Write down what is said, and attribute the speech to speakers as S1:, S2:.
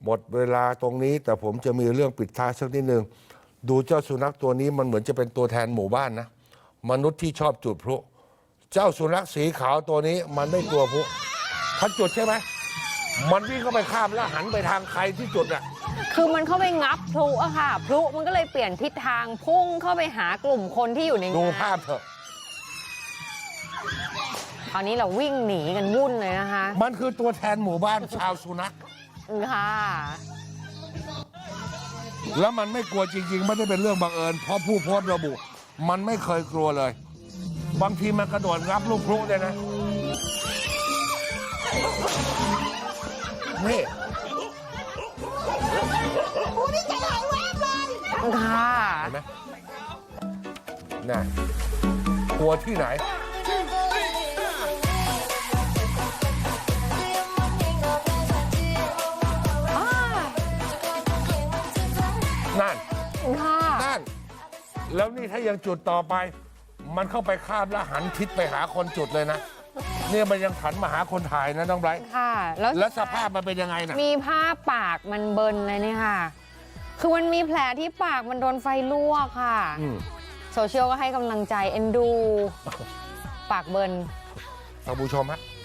S1: หมดเวลาตรงนี้แต่ผมจะมีเรื่องปิดท้ายสักนิดนึงดูเจ้าสุนัขตัวนี้มันเหมือนจะเป็นตัวแทนหมู่บ้านนะมนุษย์ที่ชอบจุดพลุเจ้าสุนัขสีขาวตัวนี้มันไม่กลัวพลุถ้าจุดใช่ไหมมันวิ่งเข้าไปข้ามแล้วหันไปทางใครที่จุดอ่ะ
S2: คือมันเข้าไปงับพลุอะค่ะพลุมันก็เลยเปลี่ยนทิศทางพุ่งเข้าไปหากลุ่มคนที่อยู่ในงาน
S1: ดูภาพเถอะ
S2: คราวนี้เราวิ่งหนีกันวุ่นเลยนะคะ
S1: มันคือตัวแทนหมู่บ้านชาวสุนัข
S2: ค่ะ
S1: แล้วมันไม่กลัวจริงๆไม่ได้เป็นเรื่องบังเอิญเพราะผู้โพสต์ระบุมันไม่เคยกลัวเลยบางทีมันกระโดดงับลูกพลุเลยนะนี่
S2: ค่ะ
S1: เห็นไหมน่ะกลัวที่ไหนนั่นนั่นแล้วนี่ถ้ายังจุดต่อไปมันเข้าไปคาบแล้วหันทิศไปหาคนจุดเลยนะเนี่ยมันยังหันมาหาคนถ่ายนะน้องไบรท์
S2: ค่ะ
S1: แล้วสภาพมันเป็นยังไงนะ
S2: มีภาพปากมันเบิร์นเลยเนี่ยค่ะคือมันมีแผลที่ปากมันโดนไฟลวกค่ะโซเชียลก็ให้กำลังใจเอ็นดูปากเบิร์น
S1: ท่านผู้ชมฮะ